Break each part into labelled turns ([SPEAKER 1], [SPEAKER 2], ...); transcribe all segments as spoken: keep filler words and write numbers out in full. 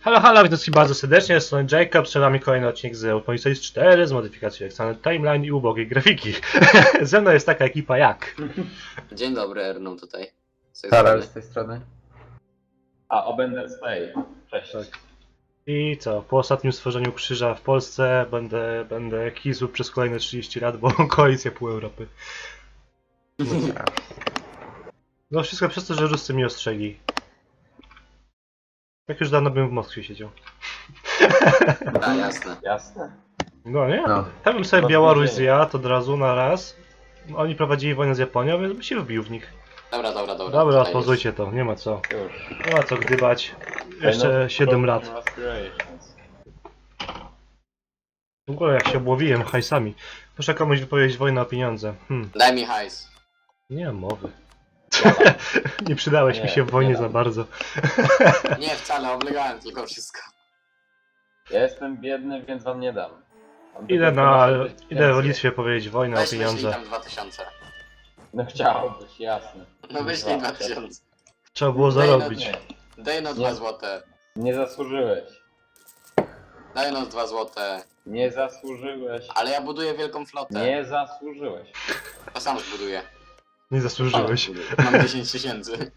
[SPEAKER 1] Halo, halo, witam wszystkich bardzo serdecznie, jestem Jacob, przed nami kolejny odcinek z Euphonics cztery z modyfikacją Extended Timeline i ubogiej grafiki. Ze mną jest taka ekipa jak...
[SPEAKER 2] Dzień dobry, Erną tutaj.
[SPEAKER 3] Karol z tej strony.
[SPEAKER 4] A, Obender Stay. Cześć.
[SPEAKER 1] Tak. I co, po ostatnim stworzeniu krzyża w Polsce będę, będę kizł przez kolejne trzydzieści lat, bo koalicja pół Europy. No wszystko przez to, że Ruscy mnie ostrzegli. Jak już dawno bym w Moskwie siedział.
[SPEAKER 2] Tak, jasne.
[SPEAKER 4] Jasne.
[SPEAKER 1] No nie?
[SPEAKER 3] No.
[SPEAKER 1] Ja bym sobie
[SPEAKER 4] No,
[SPEAKER 1] Białoruś
[SPEAKER 4] nie.
[SPEAKER 1] zjadł od razu na raz. Oni prowadzili wojnę z Japonią, więc bym się wbił w nich.
[SPEAKER 2] Dobra, dobra, dobra.
[SPEAKER 1] Dobra,
[SPEAKER 2] tutaj
[SPEAKER 1] pozwólcie to, nie ma co.
[SPEAKER 4] Już.
[SPEAKER 1] Nie ma co gdybać. Jeszcze siedem lat. W ogóle jak się obłowiłem hajsami. Muszę komuś wypowiedzieć wojnę o pieniądze. Hmm,
[SPEAKER 2] jest. Daj mi hajs.
[SPEAKER 1] nie mam mowy. Nie przydałeś
[SPEAKER 4] Nie,
[SPEAKER 1] mi się w wojnie
[SPEAKER 4] nie
[SPEAKER 1] za
[SPEAKER 4] dam.
[SPEAKER 1] bardzo.
[SPEAKER 2] Nie, wcale, oblegałem tylko wszystko.
[SPEAKER 4] Ja jestem biedny, więc wam nie dam. Mam
[SPEAKER 1] Idę
[SPEAKER 4] tylko
[SPEAKER 1] na...
[SPEAKER 4] proszę być
[SPEAKER 1] Idę w
[SPEAKER 4] więcej.
[SPEAKER 1] Litwie powiedzieć wojnę o
[SPEAKER 2] Weź wyślij
[SPEAKER 1] pieniądze.
[SPEAKER 2] tam dwa tysiące.
[SPEAKER 4] No chciałbyś, jasne.
[SPEAKER 2] No wyślij dwa tysiące.
[SPEAKER 1] Trzeba było
[SPEAKER 2] Daj no
[SPEAKER 1] zarobić.
[SPEAKER 4] Nie,
[SPEAKER 2] Daj no
[SPEAKER 4] Nie.
[SPEAKER 2] dwa złote.
[SPEAKER 4] nie zasłużyłeś.
[SPEAKER 2] Daj no dwa złote.
[SPEAKER 4] Nie zasłużyłeś.
[SPEAKER 2] Ale ja buduję wielką flotę.
[SPEAKER 4] Nie zasłużyłeś.
[SPEAKER 2] To sam zbuduję.
[SPEAKER 1] Nie zasłużyłeś.
[SPEAKER 2] Mam dziesięć tysięcy.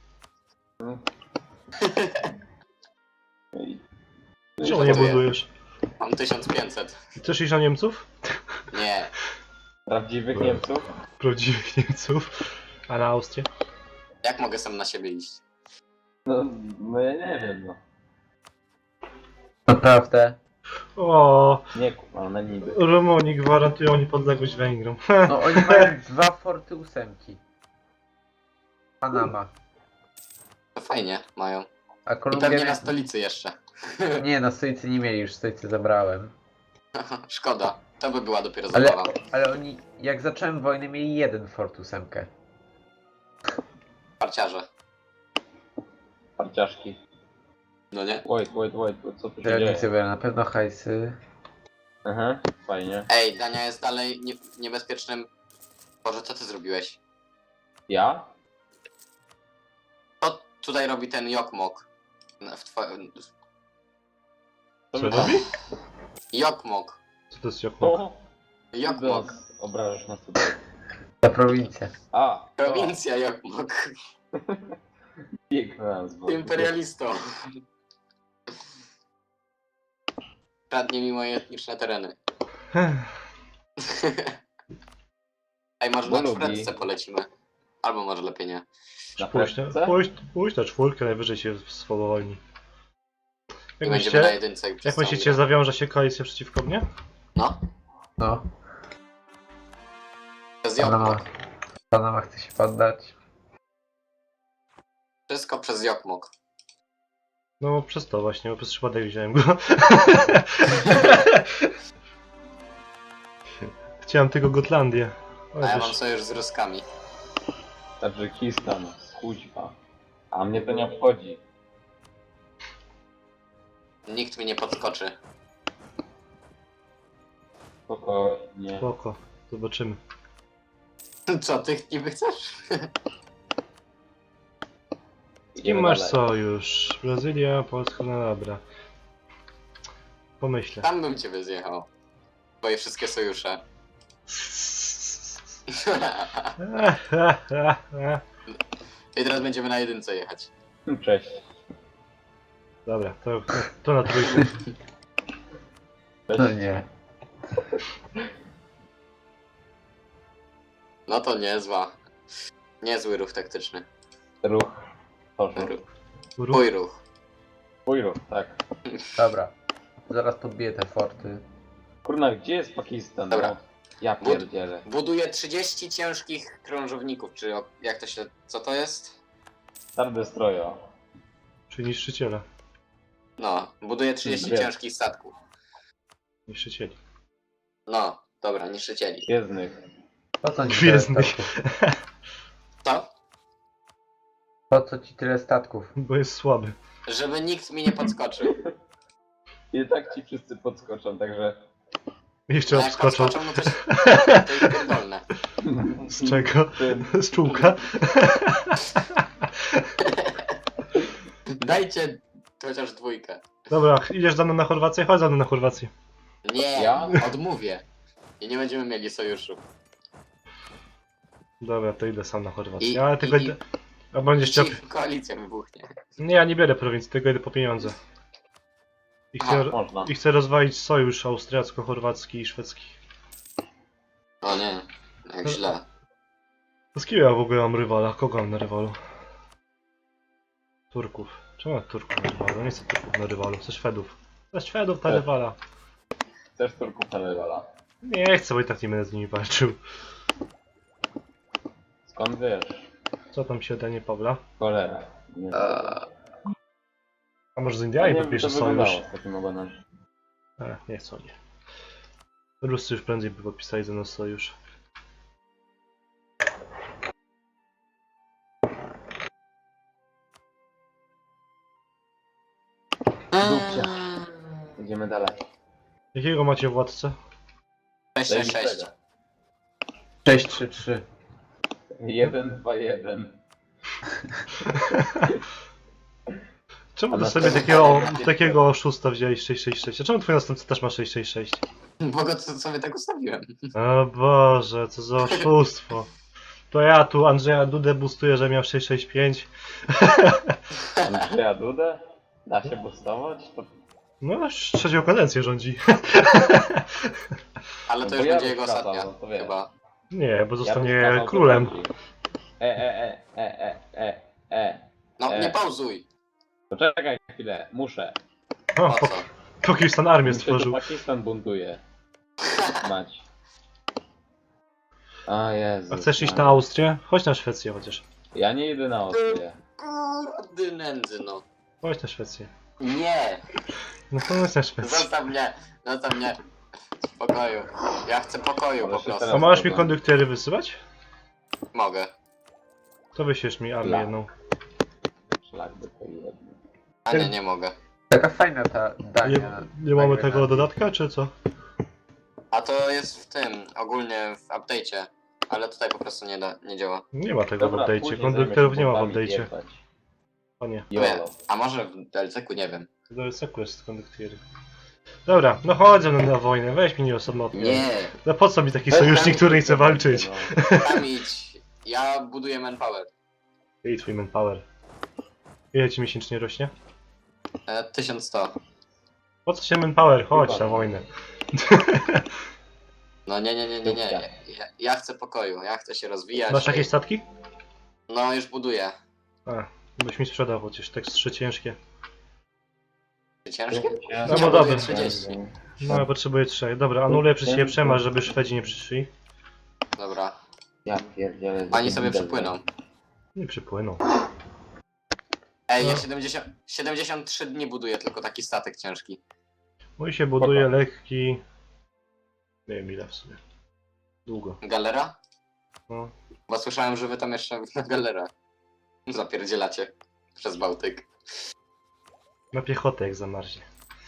[SPEAKER 4] I-
[SPEAKER 1] Czemu nie budujesz?
[SPEAKER 2] Mam tysiąc pięćset.
[SPEAKER 1] Chcesz iść na Niemców?
[SPEAKER 2] Nie.
[SPEAKER 4] Prawdziwych Niemców?
[SPEAKER 1] Prawdziwych Niemców. A na Austrię?
[SPEAKER 2] Jak mogę sam na siebie iść?
[SPEAKER 4] No, no ja nie wiem, no.
[SPEAKER 3] Naprawdę.
[SPEAKER 1] O,
[SPEAKER 4] Nie kumam, na niby.
[SPEAKER 1] Rumuni gwarantują niepodległość Węgrom.
[SPEAKER 3] No oni mają dwa forty ósemki. Panama.
[SPEAKER 2] To fajnie mają.
[SPEAKER 3] A
[SPEAKER 2] I
[SPEAKER 3] Kolumbia...
[SPEAKER 2] pewnie na stolicy jeszcze.
[SPEAKER 3] Nie, na stolicy nie mieli, już stolicy zabrałem.
[SPEAKER 2] Szkoda. To by była dopiero
[SPEAKER 3] Ale,
[SPEAKER 2] zabawa.
[SPEAKER 3] ale oni, jak zacząłem wojnę, mieli jeden fort ósemkę.
[SPEAKER 2] Parciarze.
[SPEAKER 4] Parciaszki.
[SPEAKER 2] No nie?
[SPEAKER 4] Wait, wait, wait, co tu się dzieje?
[SPEAKER 3] Żelnicy były na pewno hajsy.
[SPEAKER 4] Aha, fajnie.
[SPEAKER 2] Ej, Dania jest dalej nie niebezpiecznym... Boże, co ty zrobiłeś?
[SPEAKER 4] Ja?
[SPEAKER 2] Co tutaj robi ten Jokmok? Na- W twoim...
[SPEAKER 4] Co
[SPEAKER 1] Co
[SPEAKER 4] wy tam?
[SPEAKER 1] robi?
[SPEAKER 2] Jokmok.
[SPEAKER 1] Co to jest Jokmok?
[SPEAKER 4] O,
[SPEAKER 2] Jokmok.
[SPEAKER 4] teraz obrażasz nas tutaj.
[SPEAKER 3] Ta prowincja.
[SPEAKER 4] A,
[SPEAKER 2] Prowincja Jokmok.
[SPEAKER 4] Piękna nazwa.
[SPEAKER 2] Imperialistą. Kradnie mi moje etniczne tereny. Ej, może na
[SPEAKER 4] Bo lubi.
[SPEAKER 2] czwórce polecimy. Albo może lepiej nie.
[SPEAKER 4] Na
[SPEAKER 1] Pójść na,
[SPEAKER 4] prędce?
[SPEAKER 1] pójść, pójść na czwórkę, najwyżej się swobodni.
[SPEAKER 2] I
[SPEAKER 1] Jak
[SPEAKER 2] będziemy na
[SPEAKER 1] myślicie,
[SPEAKER 2] jedynce. i przez
[SPEAKER 1] jak
[SPEAKER 2] całą
[SPEAKER 1] myślicie,
[SPEAKER 2] grę.
[SPEAKER 1] zawiąże się koalicja przeciwko mnie?
[SPEAKER 2] No,
[SPEAKER 3] No.
[SPEAKER 2] przez
[SPEAKER 3] Panama.
[SPEAKER 2] Jokmok.
[SPEAKER 3] Panama chce się poddać.
[SPEAKER 2] Wszystko przez Jokmok.
[SPEAKER 1] No przez to właśnie, bo przez przypadek wziąłem go. Chciałem tylko Gotlandię. Ale
[SPEAKER 2] A ja
[SPEAKER 1] wiesz,
[SPEAKER 2] mam sojusz z Ruskami.
[SPEAKER 4] Tadżykistan, kuźwa. A mnie to nie obchodzi.
[SPEAKER 2] Nikt mi nie podskoczy.
[SPEAKER 4] Spokojnie.
[SPEAKER 1] spoko, zobaczymy.
[SPEAKER 2] Co, ty niby chcesz?
[SPEAKER 1] I
[SPEAKER 4] Idziemy
[SPEAKER 1] masz
[SPEAKER 4] dalej.
[SPEAKER 1] sojusz. Brazylia, Polska, no dobra. Pomyślę.
[SPEAKER 2] Tam bym cię zjechał. Twoje wszystkie sojusze. I teraz będziemy na jedynce jechać.
[SPEAKER 4] Cześć.
[SPEAKER 1] Dobra, to, to na trójkę.
[SPEAKER 4] Cześć.
[SPEAKER 3] No nie.
[SPEAKER 2] No to niezła. Niezły ruch taktyczny.
[SPEAKER 4] Ruch. Poszło.
[SPEAKER 2] Ruch.
[SPEAKER 1] Ruch.
[SPEAKER 2] Twój ruch.
[SPEAKER 4] Twój ruch, tak.
[SPEAKER 3] Dobra. Zaraz podbiję te forty.
[SPEAKER 4] Kurna, gdzie jest Pakistan?
[SPEAKER 2] Dobra.
[SPEAKER 4] No, ja
[SPEAKER 2] Bud-
[SPEAKER 4] pierdzielę.
[SPEAKER 2] Buduję trzydzieści ciężkich krążowników, czy o- jak to się... co to jest?
[SPEAKER 4] Star Destroyer.
[SPEAKER 1] Czyli niszczyciela.
[SPEAKER 2] No, buduję trzydzieści
[SPEAKER 4] Wiem.
[SPEAKER 2] ciężkich statków.
[SPEAKER 1] Niszczycieli.
[SPEAKER 2] No, dobra, niszczycieli.
[SPEAKER 4] Gwiezdnych.
[SPEAKER 3] Po co ci tyle
[SPEAKER 1] Gwiezdnych.
[SPEAKER 3] statków?
[SPEAKER 2] Co?
[SPEAKER 3] Po co ci tyle statków?
[SPEAKER 1] Bo jest słaby.
[SPEAKER 2] Żeby nikt mi nie podskoczył.
[SPEAKER 4] I tak ci wszyscy podskoczą, także...
[SPEAKER 1] Jeszcze
[SPEAKER 2] No jak
[SPEAKER 1] obskoczą.
[SPEAKER 2] podskoczą, no to, się- to jest pierdolne.
[SPEAKER 1] Z czego?
[SPEAKER 4] Tym.
[SPEAKER 1] Z czułka?
[SPEAKER 2] Dajcie chociaż dwójkę.
[SPEAKER 1] Dobra, idziesz za mną na Chorwację? Chodź za mną na Chorwację.
[SPEAKER 2] Nie,
[SPEAKER 4] Ja?
[SPEAKER 2] odmówię. I nie będziemy mieli sojuszu.
[SPEAKER 1] Dobra, to idę sam na Chorwację.
[SPEAKER 2] I-
[SPEAKER 1] Ale tylko
[SPEAKER 2] i-
[SPEAKER 1] idę... A będziesz chciał...
[SPEAKER 2] Ci koalicja wybuchnie.
[SPEAKER 1] Nie, ja nie biorę prowincji, tylko idę po pieniądze. I chcę,
[SPEAKER 2] Aha,
[SPEAKER 4] Można.
[SPEAKER 1] I chcę rozwalić sojusz austriacko-chorwacki i szwedzki.
[SPEAKER 2] O nie, jak źle.
[SPEAKER 1] Z kim ja w ogóle mam rywala? Kogo mam na rywalu? Turków. Czemu mam Turków na rywalu? Nie chcę Turków na rywalu, chcę Szwedów. Chcę Szwedów na
[SPEAKER 4] Tak.
[SPEAKER 1] rywala.
[SPEAKER 4] Chcesz Turków na rywala?
[SPEAKER 1] Nie chcę, bo i tak nie będę z nimi walczył.
[SPEAKER 4] Skąd wiesz?
[SPEAKER 1] Co tam się danie Pawla?
[SPEAKER 4] Cholera. Nie
[SPEAKER 2] Eee,
[SPEAKER 1] A może z
[SPEAKER 4] nie
[SPEAKER 1] Indiami
[SPEAKER 4] wiem,
[SPEAKER 1] podpisze
[SPEAKER 4] to wyglądało
[SPEAKER 1] sojusz?
[SPEAKER 4] z takim ogonem.
[SPEAKER 1] E, nie chcą nie. Ruscy już prędzej by podpisali ze mną sojusz.
[SPEAKER 4] Dupcia. Idziemy dalej.
[SPEAKER 1] Jakiego macie władcę?
[SPEAKER 2] sześć sześć sześć.
[SPEAKER 3] sześć trzy trzy.
[SPEAKER 4] jeden dwa jeden.
[SPEAKER 1] Czemu
[SPEAKER 4] A
[SPEAKER 1] ty
[SPEAKER 4] na
[SPEAKER 1] sobie
[SPEAKER 4] pewno
[SPEAKER 1] takiego,
[SPEAKER 4] nie-
[SPEAKER 1] takiego oszusta wzięłeś sześć sześć sześć? A czemu twój następca też ma sześć sześć sześć?
[SPEAKER 2] Bo go co- sobie tak ustawiłem.
[SPEAKER 1] O Boże, co za oszustwo. To ja tu Andrzeja Dudę boostuję, że miał sześć sześć pięć.
[SPEAKER 4] Andrzeja Dudę? Da się boostować? To...
[SPEAKER 1] No, już trzecią kadencję rządzi.
[SPEAKER 2] Ale to
[SPEAKER 4] No
[SPEAKER 2] już
[SPEAKER 4] bo ja
[SPEAKER 2] będzie jego
[SPEAKER 4] rozkazał,
[SPEAKER 2] ostatnia.
[SPEAKER 4] no to wiesz.
[SPEAKER 2] Chyba.
[SPEAKER 1] Nie, bo
[SPEAKER 4] Ja
[SPEAKER 1] zostanie
[SPEAKER 4] bym kazał
[SPEAKER 1] królem.
[SPEAKER 4] to bardziej. E, e, e, e, e, e, e.
[SPEAKER 2] No,
[SPEAKER 4] E.
[SPEAKER 2] nie pauzuj.
[SPEAKER 4] Poczekaj chwilę, muszę.
[SPEAKER 1] O,
[SPEAKER 2] Po
[SPEAKER 1] po,
[SPEAKER 2] co?
[SPEAKER 1] Pakistan armię
[SPEAKER 4] Mi się tu
[SPEAKER 1] stworzył.
[SPEAKER 4] Pakistan buntuje. Mać. A Jezu.
[SPEAKER 1] A chcesz iść na Austrię? Chodź na Szwecję chociaż.
[SPEAKER 4] Ja nie idę na Austrię.
[SPEAKER 2] Kurde nędzy, no.
[SPEAKER 1] Chodź na Szwecję.
[SPEAKER 2] Nie!
[SPEAKER 1] No to chodź na Szwecję.
[SPEAKER 2] Zostaw mnie! Zostaw mnie! W spokoju. Ja chcę pokoju
[SPEAKER 4] Ale
[SPEAKER 2] po
[SPEAKER 4] się
[SPEAKER 2] prostu.
[SPEAKER 1] A
[SPEAKER 4] teraz-
[SPEAKER 1] możesz mi konduktory wysyłać?
[SPEAKER 2] Mogę.
[SPEAKER 1] To wyślesz mi armię
[SPEAKER 4] Dla.
[SPEAKER 1] jedną.
[SPEAKER 4] Szlak by to jedno.
[SPEAKER 2] A nie, nie mogę.
[SPEAKER 3] Taka fajna ta
[SPEAKER 1] Nie,
[SPEAKER 3] Dania.
[SPEAKER 1] nie mamy
[SPEAKER 3] na
[SPEAKER 1] tego
[SPEAKER 3] Grenlandii.
[SPEAKER 1] dodatka, czy co?
[SPEAKER 2] A to jest w tym, ogólnie w update'cie. Ale tutaj po prostu nie, da, nie działa.
[SPEAKER 1] Nie ma tego w
[SPEAKER 4] Dobra,
[SPEAKER 1] update'cie.
[SPEAKER 4] później
[SPEAKER 1] Konduktorów nie
[SPEAKER 4] zajmę
[SPEAKER 1] ma
[SPEAKER 4] się
[SPEAKER 1] w
[SPEAKER 4] bombami
[SPEAKER 1] update'cie.
[SPEAKER 4] jebać.
[SPEAKER 1] O nie.
[SPEAKER 4] Jolo.
[SPEAKER 2] A może w D L C-ku, nie wiem.
[SPEAKER 1] Do S E K jest konduktory. Dobra, no chodź ze mną na wojnę, weź mi nie osamotnie.
[SPEAKER 2] Nie!
[SPEAKER 1] No po co mi taki
[SPEAKER 4] Weź
[SPEAKER 1] sojusznik,
[SPEAKER 4] tam-
[SPEAKER 1] który nie chce walczyć?
[SPEAKER 4] No.
[SPEAKER 2] Tam idź. Ja buduję manpower.
[SPEAKER 1] I twój manpower. Ile ci miesięcznie rośnie?
[SPEAKER 2] E, tysiąc sto.
[SPEAKER 1] Po co się manpower? Chodź
[SPEAKER 4] Chyba.
[SPEAKER 1] na wojnę.
[SPEAKER 2] No nie, nie, nie, nie, nie. Ja, ja chcę pokoju, ja chcę się rozwijać.
[SPEAKER 1] Masz jakieś statki?
[SPEAKER 2] No już buduję.
[SPEAKER 1] A, byś mi sprzedał, chociaż tak trzy ciężkie.
[SPEAKER 2] Ciężkie?
[SPEAKER 1] No
[SPEAKER 2] Ja
[SPEAKER 1] bo
[SPEAKER 2] buduję
[SPEAKER 1] dobra.
[SPEAKER 2] trzydzieści.
[SPEAKER 1] No ja potrzebuję trzech. Dobra, anuluję przez siebie przemarsz, żeby Szwedzi nie przyszli.
[SPEAKER 2] Dobra.
[SPEAKER 4] Ja pierdzielę.
[SPEAKER 2] Oni sobie
[SPEAKER 4] widzę.
[SPEAKER 2] przypłyną.
[SPEAKER 1] Nie przypłyną.
[SPEAKER 2] Ej, ja
[SPEAKER 1] No.
[SPEAKER 2] siedemdziesiąt, siedemdziesiąt trzy dni buduję tylko taki statek ciężki.
[SPEAKER 1] Mój się buduje lekki... Nie wiem ile w sumie. Długo.
[SPEAKER 2] Galera?
[SPEAKER 1] No.
[SPEAKER 2] Bo słyszałem, że wy tam jeszcze na galerę zapierdzielacie przez Bałtyk.
[SPEAKER 1] Na piechotę jak zamarznie.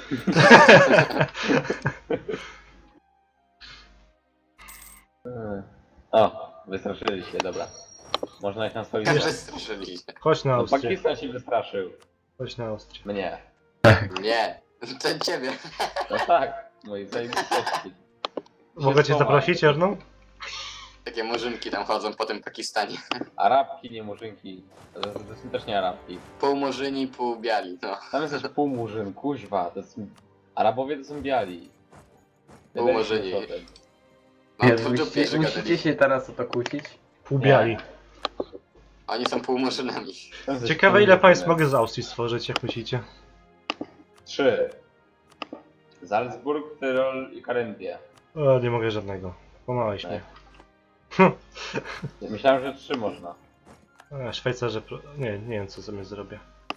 [SPEAKER 4] Hmm. O, wystraszyli się, dobra. Można ich na swoich
[SPEAKER 2] Jak
[SPEAKER 1] Wiesz-
[SPEAKER 2] wystraszyliście?
[SPEAKER 1] Chodź na
[SPEAKER 4] No,
[SPEAKER 1] Austrię.
[SPEAKER 4] Pakistan się wystraszył.
[SPEAKER 1] Chodź na Austrię.
[SPEAKER 4] Mnie.
[SPEAKER 2] Nie, to ciebie.
[SPEAKER 4] No tak, moi zajebistości.
[SPEAKER 1] Mogę cię zaprosić, Erną?
[SPEAKER 2] Takie murzynki tam chodzą po tym Pakistanie.
[SPEAKER 4] Arabki, nie murzynki. To, to są też nie Arabki.
[SPEAKER 2] Pół murzyni, pół biali, no.
[SPEAKER 4] Tam jest też pół murzyn, kuźwa. To są... Arabowie to są biali.
[SPEAKER 2] Pół
[SPEAKER 4] Wiesz,
[SPEAKER 2] murzyni.
[SPEAKER 4] co to jest.
[SPEAKER 2] Mam
[SPEAKER 3] Jezu,
[SPEAKER 2] tu dupie,
[SPEAKER 3] musicie,
[SPEAKER 2] że
[SPEAKER 3] musicie
[SPEAKER 2] gadali.
[SPEAKER 3] się teraz o to kłócić?
[SPEAKER 1] Pół biali.
[SPEAKER 2] Oni są pół murzynami.
[SPEAKER 4] Tam jest
[SPEAKER 1] Ciekawe
[SPEAKER 4] pół
[SPEAKER 1] ile państw
[SPEAKER 4] murzynek.
[SPEAKER 1] mogę z Austrii stworzyć, jak myślicie?
[SPEAKER 4] Trzy. Salzburg, Tyrol i Karentia.
[SPEAKER 1] O, nie mogę żadnego. Pomałeś mnie.
[SPEAKER 4] Myślałem, że trzy można.
[SPEAKER 1] A, Szwajcarze... Pro... Nie, nie wiem co sobie zrobię.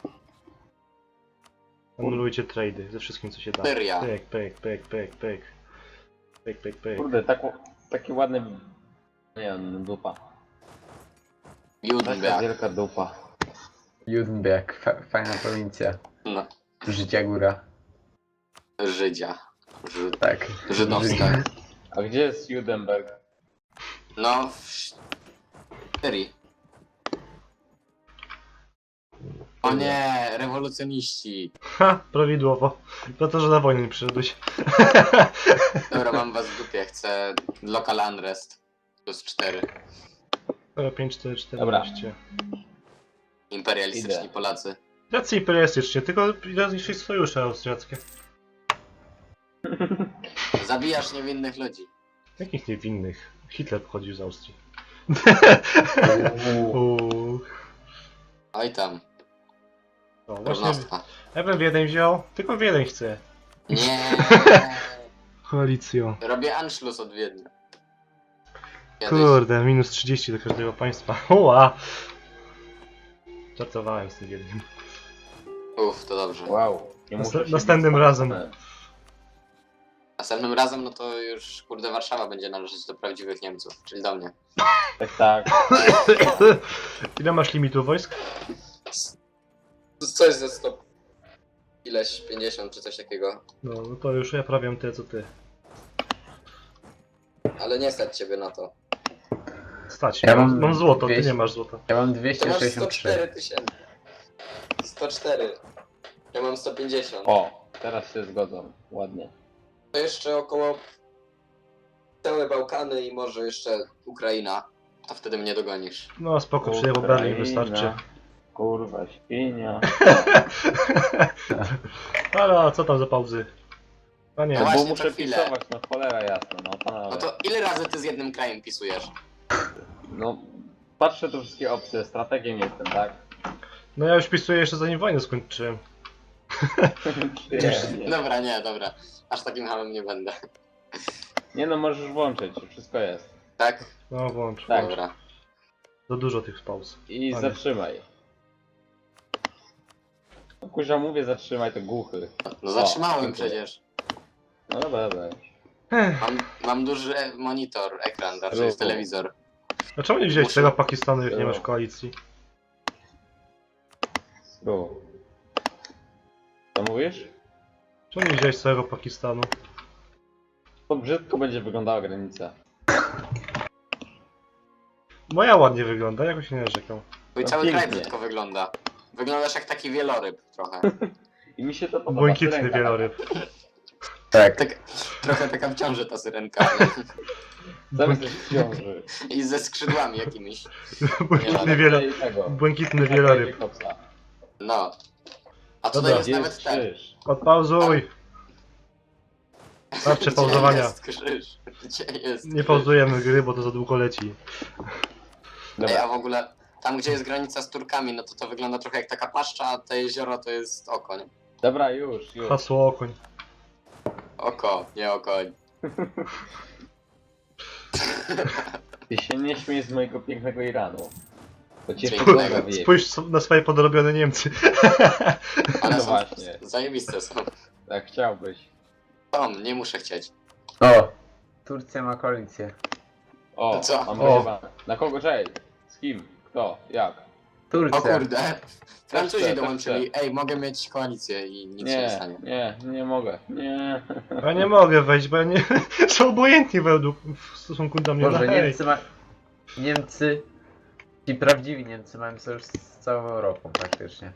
[SPEAKER 1] Anulujcie trady ze wszystkim co się da.
[SPEAKER 2] Syria.
[SPEAKER 1] Pyk, pyk, pyk, pyk, pyk. Pyk, pyk, pyk.
[SPEAKER 4] Kurde, tak, taki ładny... Nie wiem, dupa. Taka
[SPEAKER 2] Judenberg.
[SPEAKER 4] wielka dupa.
[SPEAKER 3] Judenberg, fa fajna prowincja.
[SPEAKER 2] No.
[SPEAKER 3] Życia góra.
[SPEAKER 2] Żydzia. Żyd...
[SPEAKER 3] Tak.
[SPEAKER 2] Żydowska.
[SPEAKER 4] A gdzie jest Judenberg?
[SPEAKER 2] No, w Syrii. O nie, rewolucjoniści.
[SPEAKER 1] Ha, prawidłowo. To to, że na wojnę nie przyszedłeś.
[SPEAKER 2] Dobra, mam was w dupie, chcę local unrest. Plus cztery.
[SPEAKER 1] Dobra, pięć, cztery,
[SPEAKER 4] Dobra.
[SPEAKER 1] czternaście.
[SPEAKER 2] Imperialistyczni
[SPEAKER 4] Idę.
[SPEAKER 2] Polacy.
[SPEAKER 1] Jacy imperialistycznie, tylko ile zniszczyć sojusze austriackie.
[SPEAKER 2] Zabijasz niewinnych ludzi.
[SPEAKER 1] Jakich niewinnych? Hitler pochodził z Austrii.
[SPEAKER 3] Uuu.
[SPEAKER 1] Uuu.
[SPEAKER 2] Oj tam,
[SPEAKER 1] No właśnie,
[SPEAKER 2] równostka.
[SPEAKER 1] ja bym Wiedeń wziął, tylko Wiedeń chcę.
[SPEAKER 2] Nie.
[SPEAKER 1] Koalicją.
[SPEAKER 2] Robię Anschluss od Wiednia. Kiedyś.
[SPEAKER 1] Kurde, minus trzydzieści do każdego państwa. Ua! Żartowałem z tym Wiedniem.
[SPEAKER 2] Uff, to dobrze.
[SPEAKER 4] Wow. Nie
[SPEAKER 1] Nast-
[SPEAKER 4] muszę się
[SPEAKER 1] następnym
[SPEAKER 4] bić.
[SPEAKER 1] razem.
[SPEAKER 2] Następnym razem, no to już, kurde, Warszawa będzie należeć do prawdziwych Niemców, czyli do mnie.
[SPEAKER 4] Tak, tak.
[SPEAKER 1] Ile masz limitu wojsk?
[SPEAKER 2] Coś ze sto... Ileś, pięćdziesiąt czy coś takiego.
[SPEAKER 1] No, no to już ja prawiam tyle co ty.
[SPEAKER 2] Ale nie stać ciebie na to.
[SPEAKER 1] Stać,
[SPEAKER 3] Ja
[SPEAKER 1] mam,
[SPEAKER 3] mam
[SPEAKER 1] mam złoto, ty
[SPEAKER 3] dwieście.
[SPEAKER 1] nie masz złota.
[SPEAKER 3] Ja mam
[SPEAKER 2] Ty
[SPEAKER 3] dwieście
[SPEAKER 2] masz sto
[SPEAKER 3] sześćdziesiąt trzy.
[SPEAKER 2] cztery tysięcy. sto cztery. Ja mam sto pięćdziesiąt.
[SPEAKER 4] O, teraz się zgodzą. Ładnie.
[SPEAKER 2] To jeszcze około całe Bałkany i może jeszcze Ukraina. To wtedy mnie dogonisz.
[SPEAKER 1] No spoko, przyjechał Berlin wystarczy.
[SPEAKER 4] Kurwa, świnia.
[SPEAKER 1] Ale a co tam za pauzy? A
[SPEAKER 2] No
[SPEAKER 1] nie,
[SPEAKER 4] No bo
[SPEAKER 2] właśnie,
[SPEAKER 4] muszę
[SPEAKER 2] co chwilę.
[SPEAKER 4] pisować, no cholera jasna, no
[SPEAKER 2] No
[SPEAKER 4] panowie.
[SPEAKER 2] to ile razy ty z jednym krajem pisujesz?
[SPEAKER 4] No, patrzę tu wszystkie opcje, strategiem jestem, tak?
[SPEAKER 1] no ja już pisuję jeszcze zanim wojnę skończyłem.
[SPEAKER 4] Przyjemnie.
[SPEAKER 2] Dobra, nie, dobra. Aż takim hamem nie będę.
[SPEAKER 4] Nie no, możesz włączyć, wszystko jest.
[SPEAKER 2] Tak?
[SPEAKER 1] No włącz,
[SPEAKER 4] Tak.
[SPEAKER 1] włącz.
[SPEAKER 2] Dobra.
[SPEAKER 1] Za dużo tych pauz.
[SPEAKER 4] I
[SPEAKER 1] Panie.
[SPEAKER 4] zatrzymaj. No kurza, mówię zatrzymaj, to głuchy.
[SPEAKER 2] No zatrzymałem
[SPEAKER 4] dziękuję.
[SPEAKER 2] przecież.
[SPEAKER 4] No dobra, dobra.
[SPEAKER 1] Ech,
[SPEAKER 2] Mam, mam duży e- monitor, ekran, znaczy jest
[SPEAKER 4] Ruchu.
[SPEAKER 2] telewizor.
[SPEAKER 1] a czemu nie wziąłeś
[SPEAKER 2] Muszę-
[SPEAKER 1] tego Pakistanu, jak nie
[SPEAKER 4] No.
[SPEAKER 1] masz koalicji?
[SPEAKER 4] Tu. Co mówisz?
[SPEAKER 1] Czemu nie wziąłeś całego Pakistanu?
[SPEAKER 4] To brzydko będzie wyglądała granica.
[SPEAKER 1] Moja ładnie wygląda, jakoś nie narzekam.
[SPEAKER 2] Twój
[SPEAKER 4] No
[SPEAKER 2] cały
[SPEAKER 4] pięknie.
[SPEAKER 2] kraj brzydko wygląda. Wyglądasz jak taki wieloryb trochę.
[SPEAKER 4] I mi się to podoba.
[SPEAKER 1] Błękitny
[SPEAKER 4] syrenka.
[SPEAKER 1] wieloryb.
[SPEAKER 3] Tak.
[SPEAKER 2] Tak, trochę taka w ciąży ta syrenka. ale-
[SPEAKER 4] Zamiast coś w ciąży.
[SPEAKER 2] I ze skrzydłami jakimiś.
[SPEAKER 1] Błękitny,
[SPEAKER 2] Nie,
[SPEAKER 1] wielo...
[SPEAKER 4] I tego.
[SPEAKER 1] Błękitny wieloryb.
[SPEAKER 4] Jacobsa.
[SPEAKER 2] No. A tutaj
[SPEAKER 1] Dobra,
[SPEAKER 2] jest
[SPEAKER 4] Gdzie
[SPEAKER 2] nawet
[SPEAKER 4] jest
[SPEAKER 2] ten.
[SPEAKER 4] krzyż?
[SPEAKER 1] Odpauzuj! Starczy
[SPEAKER 2] Gdzie
[SPEAKER 1] pauzowania.
[SPEAKER 2] jest krzyż? Gdzie jest
[SPEAKER 1] Nie
[SPEAKER 2] krzyż?
[SPEAKER 1] pauzujemy gry, bo to za długo leci.
[SPEAKER 2] Ej,
[SPEAKER 4] Dobra.
[SPEAKER 2] a w ogóle tam gdzie jest granica z Turkami, no to to wygląda trochę jak taka paszcza, a te jezioro to jest oko, nie?
[SPEAKER 4] Dobra, już, już.
[SPEAKER 1] Hasło okoń.
[SPEAKER 2] Oko, nie okoń.
[SPEAKER 4] Ty się nie śmiej z mojego pięknego Iranu. Bo cię
[SPEAKER 2] Pięknego.
[SPEAKER 4] kurwa wyjebie.
[SPEAKER 1] Spójrz na swoje podrobione Niemcy.
[SPEAKER 2] One
[SPEAKER 4] No
[SPEAKER 2] są
[SPEAKER 4] właśnie.
[SPEAKER 2] zajebiste są.
[SPEAKER 4] Tak chciałbyś.
[SPEAKER 2] Tom, nie muszę chcieć.
[SPEAKER 3] O! Turcja ma koalicję.
[SPEAKER 4] O,
[SPEAKER 2] Co?
[SPEAKER 4] mam
[SPEAKER 1] O.
[SPEAKER 4] wyjebane. Na kogo czej? Z kim? Kto? Jak?
[SPEAKER 2] O
[SPEAKER 3] Turcja.
[SPEAKER 2] kurde, Francuzi
[SPEAKER 4] chcę,
[SPEAKER 2] dołączyli. Ej, mogę mieć koalicję i nic się nie
[SPEAKER 4] Nie,
[SPEAKER 2] stanie.
[SPEAKER 4] nie, nie mogę. Nie.
[SPEAKER 1] Ja nie mogę wejść, bo ja nie... są obojętni według w stosunku do mnie.
[SPEAKER 3] Boże,
[SPEAKER 1] No hej.
[SPEAKER 3] Niemcy ma... Niemcy... Ci prawdziwi Niemcy mają sojusz z całą Europą praktycznie.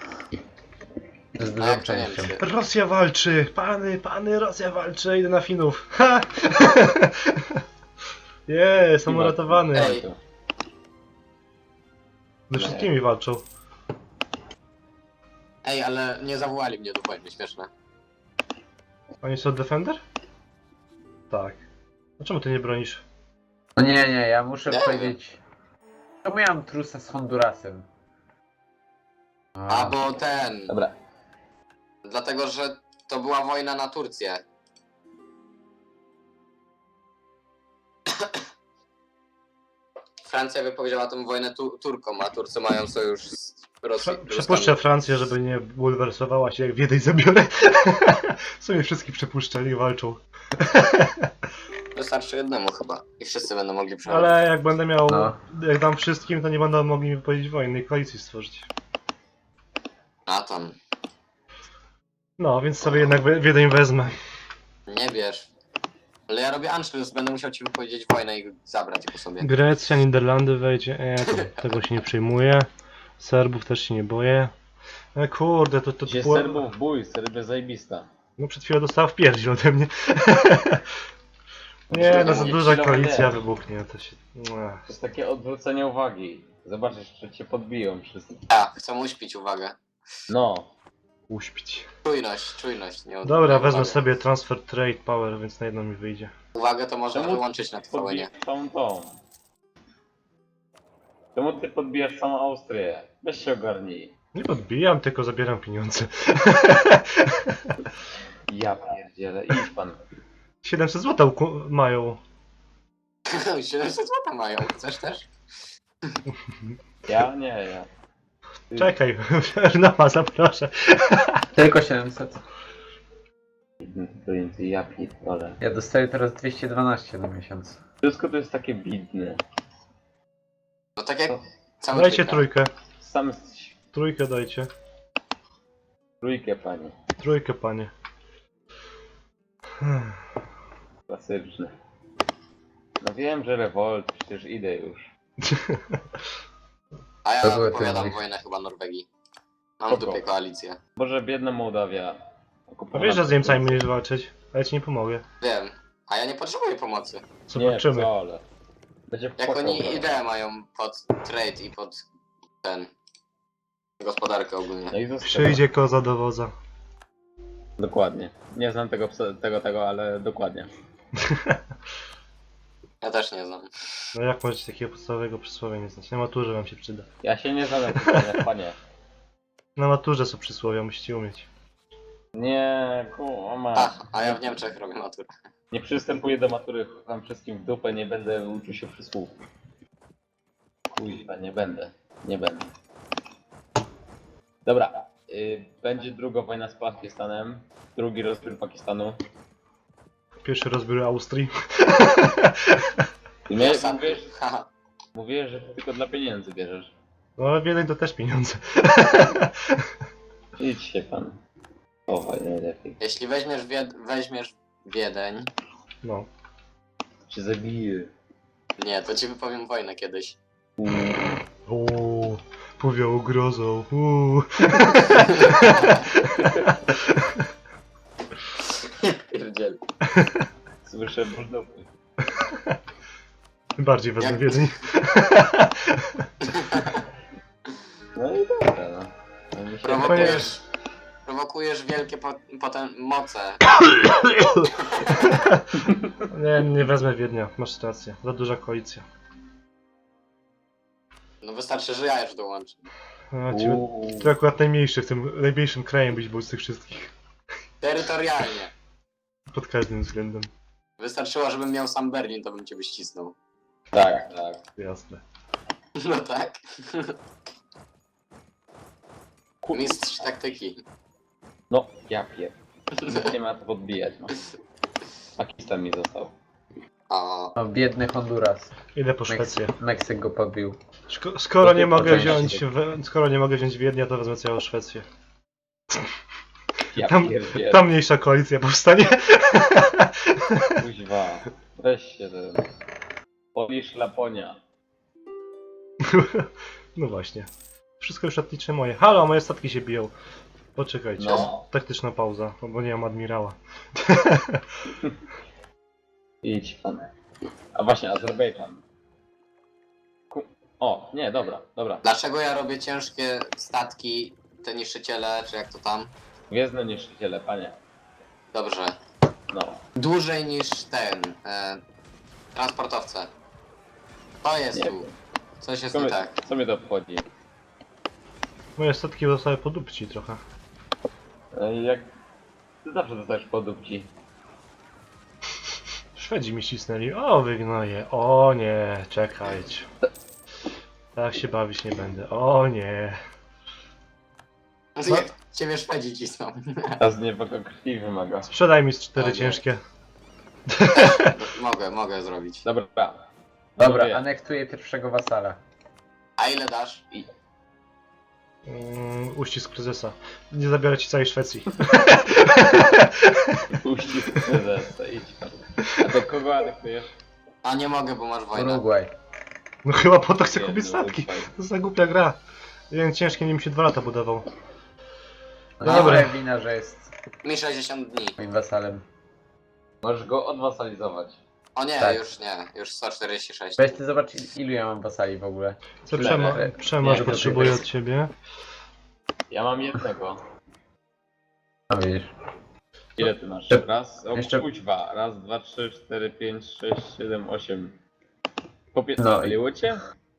[SPEAKER 3] Z
[SPEAKER 2] A
[SPEAKER 3] dużą
[SPEAKER 2] jak to
[SPEAKER 3] częścią.
[SPEAKER 2] Niemcy?
[SPEAKER 1] Rosja walczy! Pany, pany, Rosja walczy! Idę na Finów! Ha! Je, są uratowany!
[SPEAKER 2] Ej.
[SPEAKER 1] Ze wszystkimi walczą.
[SPEAKER 2] Ej, ale nie zawołali mnie do wojny, śmieszne.
[SPEAKER 1] Oni są Defender? Tak. A czemu ty nie bronisz?
[SPEAKER 3] No nie, nie, ja muszę
[SPEAKER 2] Nie.
[SPEAKER 3] powiedzieć... Czemu ja mam trusa z Hondurasem?
[SPEAKER 2] A bo ten.
[SPEAKER 4] Dobra.
[SPEAKER 2] Dlatego, że to była wojna na Turcję. Francja wypowiedziała tę wojnę tu Turkom, a Turcy mają sojusz z Rosją.
[SPEAKER 1] Prze- Przepuszczę Francję, żeby nie bulwersowała się, jak Wiedeń zabiorę. W sumie wszystkich przepuszczali i walczą.
[SPEAKER 2] Wystarczy jednemu chyba. I wszyscy będą mogli przechodzić.
[SPEAKER 1] Ale jak będę miał,
[SPEAKER 3] No.
[SPEAKER 1] jak dam wszystkim, to nie będą mogli mi wypowiedzieć wojny i koalicji stworzyć.
[SPEAKER 2] A tam.
[SPEAKER 1] No, więc sobie jednak we- Wiedeń wezmę.
[SPEAKER 2] Nie bierz. Ale ja robię Anschluss, będę musiał ci wypowiedzieć wojnę i zabrać po sobie.
[SPEAKER 1] Grecja, Niderlandy wejdzie, e, to, tego się nie przejmuję. Serbów też się nie boję. E, kurde, to, to, to
[SPEAKER 4] Gdzie
[SPEAKER 1] było...
[SPEAKER 4] Serbów bój, Serbia zajebista.
[SPEAKER 1] No przed chwilą dostała w pierdziel ode mnie. Nie, no za
[SPEAKER 4] Nie,
[SPEAKER 1] duża
[SPEAKER 4] chwilowo
[SPEAKER 1] koalicja
[SPEAKER 4] nie.
[SPEAKER 1] wybuchnie, to się...
[SPEAKER 4] To jest takie odwrócenie uwagi. Zobaczysz, że cię podbiją wszyscy.
[SPEAKER 2] A, chcę uśpić uwagę.
[SPEAKER 4] No.
[SPEAKER 1] Uśpić.
[SPEAKER 2] Czujność, czujność. Nie
[SPEAKER 1] Dobra,
[SPEAKER 2] odwracaj
[SPEAKER 1] wezmę
[SPEAKER 2] uwagi.
[SPEAKER 1] sobie transfer trade power, więc na jedno mi wyjdzie.
[SPEAKER 2] Uwagę to można
[SPEAKER 4] Czemu
[SPEAKER 2] wyłączyć na T V N.
[SPEAKER 4] Podbijasz całą tą. Czemu ty podbijasz całą Austrię? Weź się ogarnij.
[SPEAKER 1] Nie podbijam, tylko zabieram pieniądze.
[SPEAKER 4] Ja pierdzielę, idź pan.
[SPEAKER 1] siedemset złotych mają.
[SPEAKER 2] siedemset złotych mają, chcesz też?
[SPEAKER 4] Ja? Nie, ja. Ty-
[SPEAKER 1] Czekaj, Ernama zaproszę.
[SPEAKER 3] Tylko siedemset.
[SPEAKER 4] Blin, ty ja pierdolę.
[SPEAKER 3] Ja dostaję teraz dwieście dwanaście na miesiąc.
[SPEAKER 4] Wszystko to jest takie bidne.
[SPEAKER 2] No tak jak cały
[SPEAKER 1] Dajcie
[SPEAKER 2] trójka.
[SPEAKER 1] trójkę.
[SPEAKER 4] Sam jesteś
[SPEAKER 1] Trójkę dajcie.
[SPEAKER 4] trójkę, panie.
[SPEAKER 1] Trójkę, panie.
[SPEAKER 4] Klasyczny. No wiem, że rewolt, przecież idę już.
[SPEAKER 2] A
[SPEAKER 3] To
[SPEAKER 2] ja
[SPEAKER 3] były
[SPEAKER 2] odpowiadam
[SPEAKER 3] te-
[SPEAKER 2] wojnę chyba Norwegii. Mam w
[SPEAKER 4] Spoko.
[SPEAKER 2] dupie koalicję.
[SPEAKER 4] Boże, biedna Mołdawia.
[SPEAKER 1] A
[SPEAKER 4] Okupowana
[SPEAKER 1] wiesz, że z
[SPEAKER 4] przez
[SPEAKER 1] Niemcami
[SPEAKER 4] Niemców.
[SPEAKER 1] będziesz walczyć? A ja ci nie pomogę.
[SPEAKER 2] Wiem. A ja nie potrzebuję pomocy.
[SPEAKER 4] Nie,
[SPEAKER 1] Zobaczymy.
[SPEAKER 4] wcale. Będzie
[SPEAKER 2] Jak
[SPEAKER 4] płakał
[SPEAKER 2] oni
[SPEAKER 4] zaraz.
[SPEAKER 2] ideę mają pod trade i pod ten... gospodarkę ogólnie.
[SPEAKER 4] No i zostało.
[SPEAKER 1] Przyjdzie koza do woza.
[SPEAKER 4] Dokładnie. Nie znam tego, psa- tego, tego, ale dokładnie.
[SPEAKER 2] Ja też nie znam.
[SPEAKER 1] No jak możecie takiego podstawowego przysłowia nie znać? Na maturze wam się przyda.
[SPEAKER 4] Ja się nie znam na tych pytaniach, panie.
[SPEAKER 1] Na maturze są przysłowia, musicie umieć.
[SPEAKER 4] Nie, kuma.
[SPEAKER 2] A, a ja w Niemczech robię maturę.
[SPEAKER 4] Nie przystępuję do matury, wam wszystkim w dupę, nie będę uczył się przysłów. Kuźwa, nie będę. Nie będę. Dobra. Y, będzie druga wojna z Pakistanem. Drugi rozbiór Pakistanu.
[SPEAKER 1] Pierwszy rozbiór Austrii.
[SPEAKER 4] I mnie,
[SPEAKER 2] Ostatni.
[SPEAKER 4] mówisz,
[SPEAKER 2] Haha.
[SPEAKER 4] mówisz, że ty tylko dla pieniędzy bierzesz.
[SPEAKER 1] No ale Wiedeń to też pieniądze.
[SPEAKER 4] Idź się pan. Chowaj najlepiej.
[SPEAKER 2] Jeśli weźmiesz, Wied weźmiesz Wiedeń...
[SPEAKER 1] No.
[SPEAKER 4] Cię zabiję.
[SPEAKER 2] Nie, to ci wypowiem wojnę kiedyś.
[SPEAKER 1] Uuu, powiało grozą. Uuu.
[SPEAKER 2] Pierdziel.
[SPEAKER 4] Słyszę buldupy.
[SPEAKER 1] Bardziej wezmę
[SPEAKER 2] Jak-
[SPEAKER 1] Wiedeń.
[SPEAKER 4] No i dobra, no. No mi się
[SPEAKER 2] Prowokujesz... Prowokujesz wielkie po potem moce.
[SPEAKER 1] Nie, nie wezmę Wiednia, masz rację. Za duża koalicja.
[SPEAKER 2] No wystarczy, że ja już dołączę.
[SPEAKER 1] A, ci,
[SPEAKER 4] Uuu.
[SPEAKER 1] ty akurat najmniejszy w tym, najmniejszym krajem byś był z tych wszystkich.
[SPEAKER 2] Terytorialnie.
[SPEAKER 1] Pod każdym względem.
[SPEAKER 2] Wystarczyło, żebym miał sam Berlin, to bym cię wyścisnął.
[SPEAKER 4] Tak, tak.
[SPEAKER 1] Jasne.
[SPEAKER 2] No tak. Mistrz taktyki.
[SPEAKER 4] No, ja pier... Nie ma co podbijać, no. Pakistan mi został.
[SPEAKER 2] O,
[SPEAKER 3] O, biedny Honduras.
[SPEAKER 1] Idę po Szwecję.
[SPEAKER 3] Meksyk, Meksyk go pobił.
[SPEAKER 1] Szko skoro nie mogę
[SPEAKER 4] Poczekaj.
[SPEAKER 1] wziąć, we, skoro nie mogę wziąć Wiednia, to wezmę całą Szwecję.
[SPEAKER 4] Ja
[SPEAKER 1] Tam,
[SPEAKER 4] pierdzielę.
[SPEAKER 1] tam mniejsza koalicja powstanie.
[SPEAKER 4] Kuźwa. Weź się ten... Polisz Laponia.
[SPEAKER 1] No właśnie. Wszystko już etnicznie moje. Halo, moje statki się biją. Poczekajcie.
[SPEAKER 4] No.
[SPEAKER 1] Taktyczna pauza, bo nie mam admirała.
[SPEAKER 4] Idź pan. A właśnie, Azerbejdżan. Ku... O, nie, dobra, dobra.
[SPEAKER 2] dlaczego ja robię ciężkie statki, te niszczyciele, czy jak to tam?
[SPEAKER 4] Gwiezdne niszczyciele, panie.
[SPEAKER 2] Dobrze.
[SPEAKER 4] No.
[SPEAKER 2] Dłużej niż ten. E, transportowce. To jest
[SPEAKER 4] Nie.
[SPEAKER 2] tu. Coś jest
[SPEAKER 4] Co,
[SPEAKER 2] nie
[SPEAKER 4] mnie,
[SPEAKER 2] tak.
[SPEAKER 4] co mnie to obchodzi?
[SPEAKER 1] Moje statki zostały podupci trochę.
[SPEAKER 4] E, Jak... Ty zawsze dostajesz podupci.
[SPEAKER 1] Szwedzi mi cisnęli. O, wygnoję. O nie, czekajcie. Tak się bawić nie będę. O nie.
[SPEAKER 2] No. Jak ciebie Szwedzi cisną.
[SPEAKER 4] A z nieba go krwi wymaga.
[SPEAKER 1] Sprzedaj mi z cztery
[SPEAKER 2] O nie.
[SPEAKER 1] ciężkie.
[SPEAKER 2] mogę, mogę zrobić.
[SPEAKER 4] Dobra.
[SPEAKER 3] Dobra,
[SPEAKER 4] Panowie,
[SPEAKER 3] anektuję pierwszego wasala.
[SPEAKER 2] A ile dasz?
[SPEAKER 1] Mm, uścisk prezesa. Nie zabiorę ci całej Szwecji.
[SPEAKER 4] Uścisk prezesa, idź pan. A do kogo adektujesz?
[SPEAKER 2] A nie mogę, bo masz wojnę.
[SPEAKER 3] Urugwaj.
[SPEAKER 1] No chyba po to chcę kupić
[SPEAKER 4] Jedno,
[SPEAKER 1] statki.
[SPEAKER 4] uchwaj.
[SPEAKER 1] To za głupia gra. Jeden ciężki nim się dwa lata budował.
[SPEAKER 3] No
[SPEAKER 1] Dobra.
[SPEAKER 3] dobra, wina, że jest
[SPEAKER 2] Mi sześćdziesiąt dni.
[SPEAKER 3] moim wasalem.
[SPEAKER 4] Możesz go odwasalizować.
[SPEAKER 2] O nie,
[SPEAKER 3] Tak.
[SPEAKER 2] już nie, już sto czterdzieści sześć.
[SPEAKER 3] Weź ty zobacz il- ilu ja mam wasali w ogóle.
[SPEAKER 1] Co
[SPEAKER 4] Tyle,
[SPEAKER 1] Przemo,
[SPEAKER 3] nie?
[SPEAKER 1] Przemoż
[SPEAKER 4] Nie,
[SPEAKER 1] potrzebuje
[SPEAKER 3] to
[SPEAKER 1] od ciebie?
[SPEAKER 4] Ja mam jednego.
[SPEAKER 3] No widzisz.
[SPEAKER 4] Ile ty masz?
[SPEAKER 3] Jeszcze-
[SPEAKER 4] Raz, o
[SPEAKER 3] jeszcze-
[SPEAKER 4] kuźwa. Raz, dwa, trzy, cztery, pięć, sześć, siedem, osiem. Popie...
[SPEAKER 3] No
[SPEAKER 4] No,
[SPEAKER 3] i-
[SPEAKER 4] byliło cię?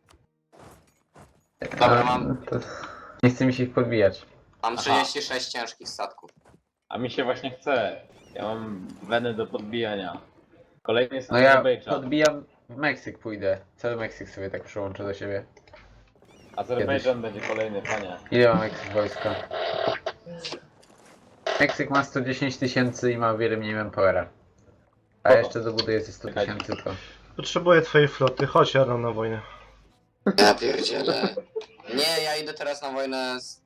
[SPEAKER 2] Dobra,
[SPEAKER 3] No,
[SPEAKER 2] mam-
[SPEAKER 3] to... Nie chce mi się ich podbijać.
[SPEAKER 2] Mam
[SPEAKER 4] Aha.
[SPEAKER 2] trzydzieści sześć ciężkich statków.
[SPEAKER 4] A mi się właśnie chce. Ja mam wenę do podbijania. Kolejny jest
[SPEAKER 3] No ja
[SPEAKER 4] Azerbejdżan.
[SPEAKER 3] podbijam w Meksyk pójdę. Cały Meksyk sobie tak przyłączę do siebie.
[SPEAKER 4] Azerbejdżan będzie kolejny, panie.
[SPEAKER 3] Ile ma Meksyk wojska? Meksyk ma sto dziesięć tysięcy i ma o wiele mniej manpowera. A
[SPEAKER 4] Spoko.
[SPEAKER 3] jeszcze dobuduję ze sto
[SPEAKER 4] Czekaj.
[SPEAKER 3] tysięcy to.
[SPEAKER 1] Potrzebuję twojej floty, chodź jadę na wojnę.
[SPEAKER 2] Ja pierdzielę. Nie, ja idę teraz na wojnę z...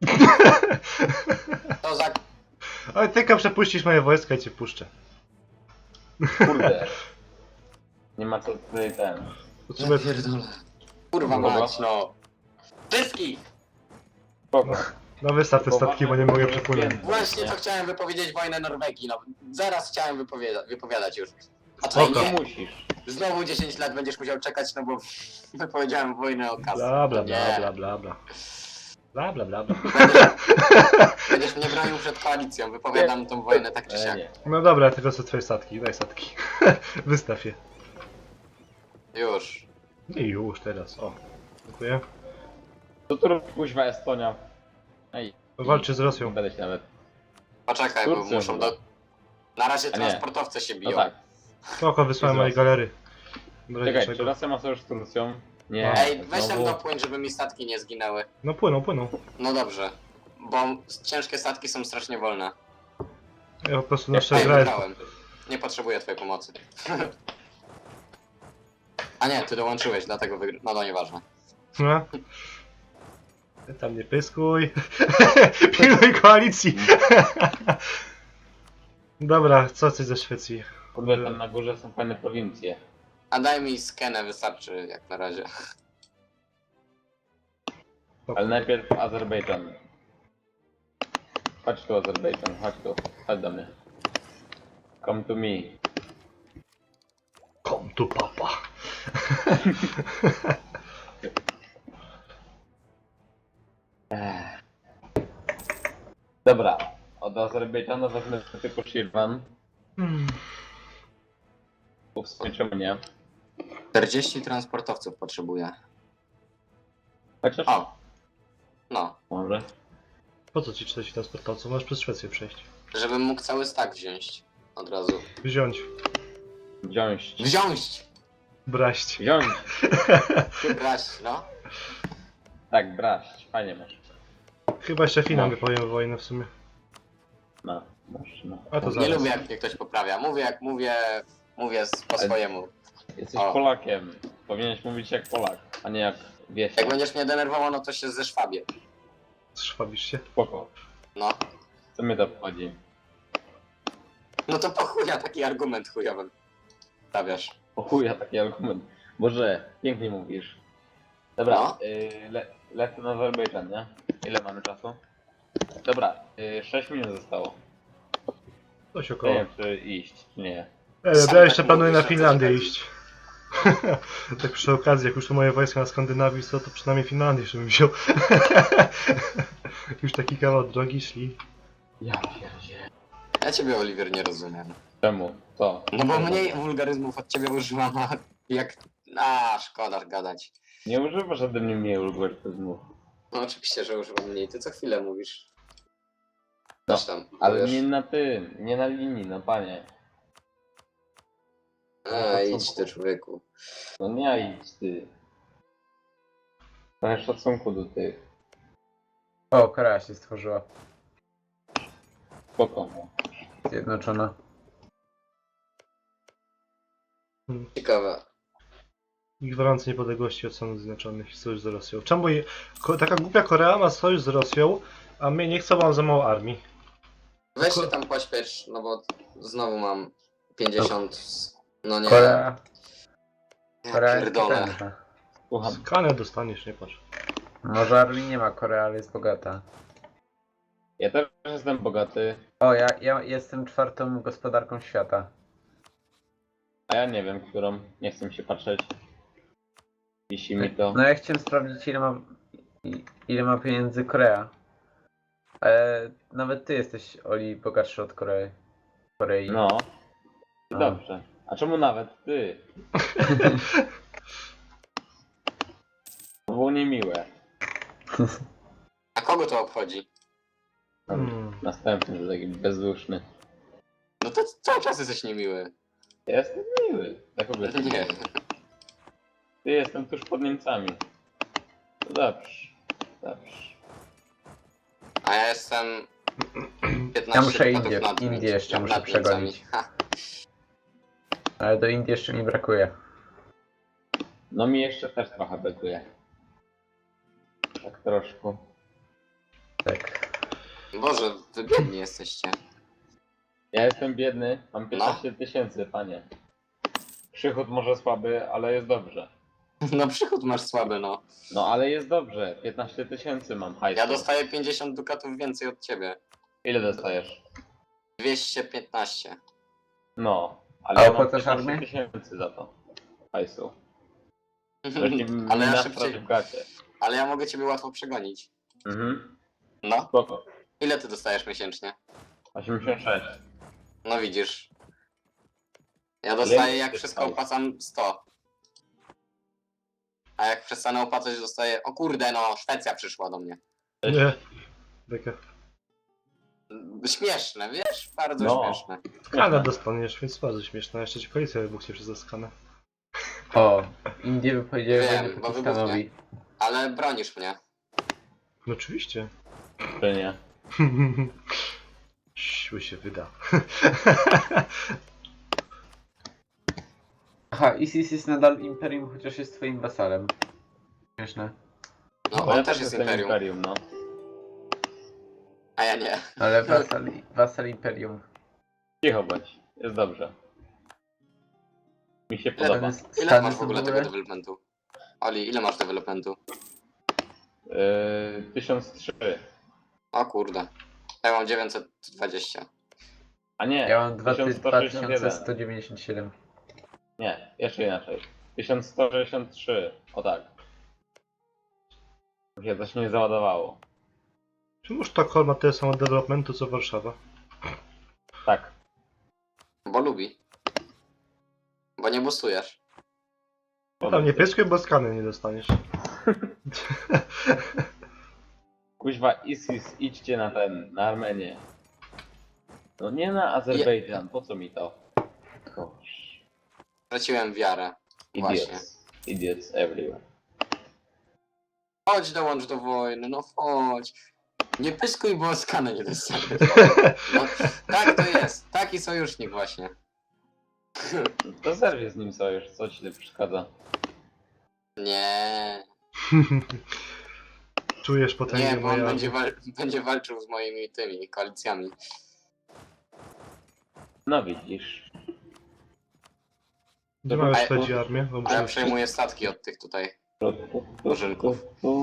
[SPEAKER 2] To za...
[SPEAKER 1] Ale tylko przepuścisz moje wojska i cię puszczę.
[SPEAKER 4] Kurde. Nie ma co tutaj ten.
[SPEAKER 1] Potrzebuję...
[SPEAKER 2] Ja pierdolę. Kurwa
[SPEAKER 4] Dobra.
[SPEAKER 2] mać, no. Wszystkich!
[SPEAKER 4] Spoko.
[SPEAKER 1] No wystaw te statki, bo nie mogę przepłynąć.
[SPEAKER 2] Właśnie to chciałem wypowiedzieć wojnę Norwegii, no. Zaraz chciałem wypowiada wypowiadać już. A tutaj
[SPEAKER 1] Spoko.
[SPEAKER 2] nie.
[SPEAKER 4] musisz.
[SPEAKER 2] Znowu dziesięć lat będziesz musiał czekać, no bo wypowiedziałem wojnę o kasę.
[SPEAKER 1] Bla bla bla
[SPEAKER 2] Nie.
[SPEAKER 1] bla bla bla. Bla bla bla bla.
[SPEAKER 2] Będziesz, będziesz mnie bronił przed koalicją, wypowiadam tą wojnę tak czy
[SPEAKER 4] E,
[SPEAKER 2] siak.
[SPEAKER 4] nie.
[SPEAKER 1] No dobra, tylko są twoje statki, daj statki. Wystaw je.
[SPEAKER 2] Już.
[SPEAKER 1] I już teraz, o. Dziękuję.
[SPEAKER 4] To tu robi kuźwa Estonia. Ej.
[SPEAKER 1] Walczy z
[SPEAKER 4] Nie
[SPEAKER 1] Rosją.
[SPEAKER 4] będę się nawet.
[SPEAKER 2] Poczekaj, bo
[SPEAKER 4] Turcją
[SPEAKER 2] muszą
[SPEAKER 4] chyba.
[SPEAKER 2] do... Na razie
[SPEAKER 4] A nie.
[SPEAKER 2] transportowce się
[SPEAKER 4] No
[SPEAKER 2] biją.
[SPEAKER 4] tak.
[SPEAKER 1] Spoko, wysłałem
[SPEAKER 4] Z
[SPEAKER 1] mojej
[SPEAKER 4] Rosją.
[SPEAKER 1] galery. W razie
[SPEAKER 4] Czekaj, czy
[SPEAKER 1] czego.
[SPEAKER 4] Rosja ma sojusz z Turcją? Nie.
[SPEAKER 2] Ej, weź tam
[SPEAKER 4] znowu.
[SPEAKER 2] dopłyń, żeby mi statki nie zginęły.
[SPEAKER 1] No płyną, płyną.
[SPEAKER 2] No dobrze. Bo ciężkie statki są strasznie wolne.
[SPEAKER 1] Ja po prostu
[SPEAKER 4] Jak
[SPEAKER 1] nasze
[SPEAKER 2] Ej,
[SPEAKER 1] gra jest...
[SPEAKER 2] wygrałem. Nie potrzebuję twojej pomocy. A nie, ty dołączyłeś, dlatego wygrałem. No to nieważne.
[SPEAKER 1] No. Ty tam nie pyskuj. Pilnuj koalicji. Dobra, co coś ze Szwecji?
[SPEAKER 4] Kurde, tam na górze są fajne prowincje.
[SPEAKER 2] A daj mi skenę, wystarczy jak na razie.
[SPEAKER 4] Ale najpierw Azerbejdżan. Chodź tu Azerbejdżan, chodź tu. Chodź do mnie. Come to me.
[SPEAKER 1] Kom tu papa.
[SPEAKER 4] Ech. Dobra, od Azerbejdżanu wezmę tylko Shirvan.
[SPEAKER 1] Hmm.
[SPEAKER 4] Bo w sumie czemu nie?
[SPEAKER 2] czterdzieści transportowców potrzebuję.
[SPEAKER 4] Chociaż...
[SPEAKER 2] O. No.
[SPEAKER 4] Może.
[SPEAKER 1] Po co ci czterdzieści transportowców? Możesz przez Szwecję przejść.
[SPEAKER 2] Żebym mógł cały stack wziąć. Od razu.
[SPEAKER 1] Wziąć.
[SPEAKER 4] Wziąć.
[SPEAKER 2] Wziąć!
[SPEAKER 1] Braść.
[SPEAKER 4] Wziąć!
[SPEAKER 2] Brać, no.
[SPEAKER 4] Tak, braść. Fajnie masz.
[SPEAKER 1] Chyba jeszcze Finom
[SPEAKER 4] No.
[SPEAKER 1] wypowiem wojnę w sumie.
[SPEAKER 4] No, masz, no.
[SPEAKER 1] A to
[SPEAKER 2] Nie
[SPEAKER 1] zaraz.
[SPEAKER 2] lubię jak mnie ktoś poprawia. Mówię jak mówię, mówię s- po
[SPEAKER 4] Ale-
[SPEAKER 2] swojemu.
[SPEAKER 4] Jesteś
[SPEAKER 2] O.
[SPEAKER 4] Polakiem. Powinieneś mówić jak Polak, a nie jak wieś.
[SPEAKER 2] Jak będziesz mnie denerwował, no to się ze szwabie.
[SPEAKER 1] Szwabisz się.
[SPEAKER 4] Spoko.
[SPEAKER 2] No.
[SPEAKER 4] Co mnie to obchodzi?
[SPEAKER 2] No to po chuja taki argument chujowy. Stawiasz.
[SPEAKER 4] O chuja taki argument. Boże, pięknie mówisz. Dobra,
[SPEAKER 2] No.
[SPEAKER 4] y, le, lecę na Azerbejdżan, nie? Ile mamy czasu? Dobra, y, sześć minut zostało.
[SPEAKER 1] Coś
[SPEAKER 4] Nie
[SPEAKER 1] około.
[SPEAKER 4] wiem, czy iść, czy nie.
[SPEAKER 1] E,
[SPEAKER 2] Sam
[SPEAKER 1] ja jeszcze
[SPEAKER 2] tak
[SPEAKER 1] planuję na
[SPEAKER 2] mówisz, a co
[SPEAKER 1] Finlandię
[SPEAKER 2] ci chodzi?
[SPEAKER 1] iść. Tak przy okazji, jak już to moje wojska na Skandynawii są, to przynajmniej Finlandię jeszcze bym wziął. Już taki kawał drogi szli.
[SPEAKER 4] Ja pierdzie.
[SPEAKER 2] Ja ciebie, Oliwier, nie rozumiem.
[SPEAKER 4] Czemu? Co?
[SPEAKER 2] No bo mniej wulgaryzmów od ciebie używam, a jak... A, szkoda gadać.
[SPEAKER 4] Nie używasz ode mnie mniej algorytmów.
[SPEAKER 2] No oczywiście, że używam mniej. Ty co chwilę mówisz.
[SPEAKER 4] No,
[SPEAKER 2] Coś tam.
[SPEAKER 4] ale
[SPEAKER 2] powiesz.
[SPEAKER 4] nie na tym, nie na linii, no panie.
[SPEAKER 2] A, idź ty, człowieku.
[SPEAKER 4] No nie idź ty. Trochę szacunku do tych.
[SPEAKER 3] O, Korea się stworzyła.
[SPEAKER 4] Spoko.
[SPEAKER 3] Zjednoczona.
[SPEAKER 2] Ciekawe.
[SPEAKER 1] I gwarancja niepodległości od Stanów Zjednoczonych i sojusz z Rosją. Czemu je... Ko- taka głupia Korea ma sojusz z Rosją, a mnie nie chcą, bo mam za mało armii.
[SPEAKER 2] Weź się tam pośpiesz, no bo znowu mam pięćdziesiąt... No nie.
[SPEAKER 3] Korea.
[SPEAKER 2] Ja
[SPEAKER 3] Korea jest
[SPEAKER 2] pierdolę.
[SPEAKER 3] potężna.
[SPEAKER 4] Słucham.
[SPEAKER 1] Skanę dostaniesz, nie patrz.
[SPEAKER 3] Może armii nie ma Korea, ale jest bogata.
[SPEAKER 4] Ja też jestem bogaty,
[SPEAKER 3] O, ja, ja jestem czwartą gospodarką świata.
[SPEAKER 4] a ja nie wiem, którą. Nie chcę się patrzeć. Wisi mi to.
[SPEAKER 3] No ja chciałem sprawdzić ile ma, i- ile ma pieniędzy Korea. Ale nawet ty jesteś, Oli, bogatszy od Korei. Korei.
[SPEAKER 4] No. I
[SPEAKER 3] A.
[SPEAKER 4] dobrze. A czemu nawet ty? To było niemiłe.
[SPEAKER 2] A kogo to obchodzi?
[SPEAKER 1] Hmm.
[SPEAKER 4] Następny, że taki bezduszny.
[SPEAKER 2] No to cały czas jesteś niemiły.
[SPEAKER 4] Ja jestem miły. Dla kogo jestem
[SPEAKER 2] Nie.
[SPEAKER 4] miły? Ty jestem tuż pod Niemcami. No dobrze. Dobrze.
[SPEAKER 2] A ja jestem
[SPEAKER 3] Ja
[SPEAKER 2] piętnaście
[SPEAKER 3] muszę
[SPEAKER 2] dukatów
[SPEAKER 3] Indię,
[SPEAKER 2] nad,
[SPEAKER 3] Indię jeszcze
[SPEAKER 2] nad
[SPEAKER 3] muszę
[SPEAKER 2] Niemcami.
[SPEAKER 3] przegonić.
[SPEAKER 2] Ha.
[SPEAKER 3] Ale do Indii jeszcze mi brakuje.
[SPEAKER 4] No mi jeszcze też trochę brakuje. Tak troszkę.
[SPEAKER 3] Tak.
[SPEAKER 2] Boże, wy biedni jesteście.
[SPEAKER 4] Ja jestem biedny, mam piętnaście tysięcy, panie. Przychód może słaby, ale jest dobrze.
[SPEAKER 2] No przychód masz słaby, no.
[SPEAKER 4] No ale jest dobrze, piętnaście tysięcy mam hajsu.
[SPEAKER 2] Ja dostaję pięćdziesiąt dukatów więcej od ciebie.
[SPEAKER 4] Ile dostajesz?
[SPEAKER 2] dwieście piętnaście.
[SPEAKER 4] No, ale
[SPEAKER 3] A
[SPEAKER 4] ja mam
[SPEAKER 3] opłacasz armię?
[SPEAKER 4] piętnaście tysięcy za to. Hajsu.
[SPEAKER 2] Ale ja
[SPEAKER 4] na
[SPEAKER 2] szybciej.
[SPEAKER 4] w gacie.
[SPEAKER 2] Ale ja mogę ciebie łatwo przegonić.
[SPEAKER 4] Mhm.
[SPEAKER 2] No.
[SPEAKER 4] Spoko.
[SPEAKER 2] Ile ty dostajesz miesięcznie?
[SPEAKER 4] osiemdziesiąt sześć.
[SPEAKER 2] No widzisz. Ja dostaję
[SPEAKER 4] Ile
[SPEAKER 2] jak
[SPEAKER 4] ty
[SPEAKER 2] wszystko
[SPEAKER 4] dostajesz?
[SPEAKER 2] opłacam sto. A jak przestanę opłacać dostaję... O kurde no, Szwecja przyszła do mnie.
[SPEAKER 1] Nie. Taka.
[SPEAKER 2] Śmieszne, wiesz? Bardzo
[SPEAKER 4] No.
[SPEAKER 2] śmieszne.
[SPEAKER 1] Skanę dostaniesz, więc bardzo śmieszne. Jeszcze ci policja wybuchnie przez skanę.
[SPEAKER 3] O, Indie wypowiedziały
[SPEAKER 2] Wiem,
[SPEAKER 3] wojnę
[SPEAKER 2] bo
[SPEAKER 3] Pakistanowi.
[SPEAKER 2] Ale bronisz mnie.
[SPEAKER 1] No oczywiście.
[SPEAKER 4] Czy nie?
[SPEAKER 1] Siły się wyda.
[SPEAKER 3] Aha, ISIS jest nadal imperium, chociaż jest twoim wasalem. Śmieszne.
[SPEAKER 2] No
[SPEAKER 4] Bo
[SPEAKER 2] on
[SPEAKER 4] ja
[SPEAKER 2] też jest imperium,
[SPEAKER 4] imperium, no.
[SPEAKER 2] a ja nie.
[SPEAKER 3] Ale wasal, wasal imperium.
[SPEAKER 4] Cicho bądź, jest dobrze. Mi się
[SPEAKER 2] Ile,
[SPEAKER 4] podoba.
[SPEAKER 3] Stany-
[SPEAKER 2] ile
[SPEAKER 3] Stany
[SPEAKER 2] masz w
[SPEAKER 3] są
[SPEAKER 2] ogóle
[SPEAKER 3] w
[SPEAKER 2] tego
[SPEAKER 3] ogóle-
[SPEAKER 2] developmentu? Oli, ile masz developmentu?
[SPEAKER 4] Yy, tysiąc trzy.
[SPEAKER 2] O kurde. Ja mam dziewięćset dwadzieścia.
[SPEAKER 4] A nie,
[SPEAKER 3] Ja mam dwa
[SPEAKER 4] tysiąc sto
[SPEAKER 3] tysiące
[SPEAKER 4] sześćdziesiąt jeden.
[SPEAKER 3] sto dziewięćdziesiąt siedem.
[SPEAKER 4] Nie, jeszcze inaczej. tysiąc sto sześćdziesiąt trzy. O tak. Mi się coś nie załadowało.
[SPEAKER 1] Czemu Sztokholm ma tyle samo developmentu co Warszawa?
[SPEAKER 4] Tak.
[SPEAKER 2] Bo lubi. Bo nie boostujesz.
[SPEAKER 1] Tam nie pieskuj, bo skany nie dostaniesz.
[SPEAKER 4] Kuźwa, ISIS, idźcie na ten, na Armenię. No nie na Azerbejdżan, po co mi to? Gosh.
[SPEAKER 2] Straciłem wiarę. Właśnie.
[SPEAKER 4] Idiots. Idiots everywhere.
[SPEAKER 2] Chodź dołącz do wojny, no chodź. Nie pyskuj, bo skanę nie dostaniesz. No, tak to jest. Taki sojusznik właśnie.
[SPEAKER 4] To zerwie z nim sojusz, co ci tu przeszkadza?
[SPEAKER 2] Nie.
[SPEAKER 1] Czujesz potęgę
[SPEAKER 2] Nie, bo on
[SPEAKER 1] mojej
[SPEAKER 2] będzie,
[SPEAKER 1] armii.
[SPEAKER 2] wal będzie walczył z moimi tymi koalicjami.
[SPEAKER 4] No widzisz.
[SPEAKER 1] Gdzie mamy
[SPEAKER 2] A-
[SPEAKER 1] śledzi armię? Bo
[SPEAKER 2] A ja
[SPEAKER 1] muszę...
[SPEAKER 2] przejmuję statki od tych tutaj murzynków.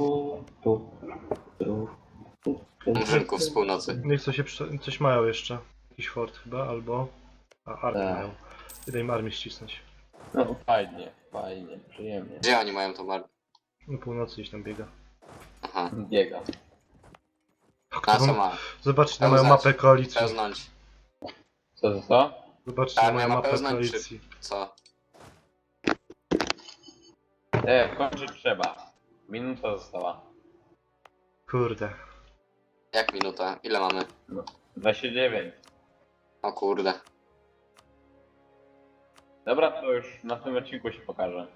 [SPEAKER 2] Murzynków z północy.
[SPEAKER 1] Niech coś, się prze... coś mają jeszcze. Jakiś fort chyba, albo... A, armię
[SPEAKER 4] Tak.
[SPEAKER 1] mają. Idę im armię ścisnąć.
[SPEAKER 4] No fajnie, fajnie, przyjemnie.
[SPEAKER 2] Gdzie oni mają to mar...
[SPEAKER 1] Na północy gdzieś tam biega.
[SPEAKER 2] Aha.
[SPEAKER 4] Biega.
[SPEAKER 2] A co ma?
[SPEAKER 1] Zobaczcie na moją
[SPEAKER 2] Pełznać.
[SPEAKER 1] mapę koalicji.
[SPEAKER 2] Pełznąć.
[SPEAKER 4] Co to co?
[SPEAKER 1] Zobaczcie
[SPEAKER 2] Ta
[SPEAKER 1] na moją
[SPEAKER 2] armia ma
[SPEAKER 1] mapę
[SPEAKER 2] pełznać,
[SPEAKER 1] koalicji.
[SPEAKER 2] Co?
[SPEAKER 4] E, kończyć trzeba. Minuta została.
[SPEAKER 1] Kurde.
[SPEAKER 2] Jak minuta? Ile mamy?
[SPEAKER 4] dwadzieścia dziewięć.
[SPEAKER 2] O kurde.
[SPEAKER 4] Dobra, to już na tym odcinku się pokaże.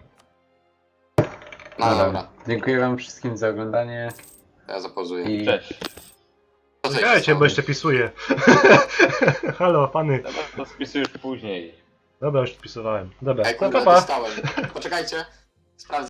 [SPEAKER 2] No dobra,
[SPEAKER 3] Dziękuję wam wszystkim za oglądanie
[SPEAKER 2] ja zapozuję.
[SPEAKER 3] i
[SPEAKER 4] Cześć.
[SPEAKER 2] Co ty
[SPEAKER 1] Czekajcie,
[SPEAKER 2] się
[SPEAKER 1] bo jeszcze pisuję. Halo, pany.
[SPEAKER 4] Dobra, to spisujesz później.
[SPEAKER 1] Dobra, już wpisowałem. Dobra,
[SPEAKER 2] Ej,
[SPEAKER 1] no
[SPEAKER 2] kurde,
[SPEAKER 1] pa pa.
[SPEAKER 2] dostałem. Poczekajcie. Sprawdzę.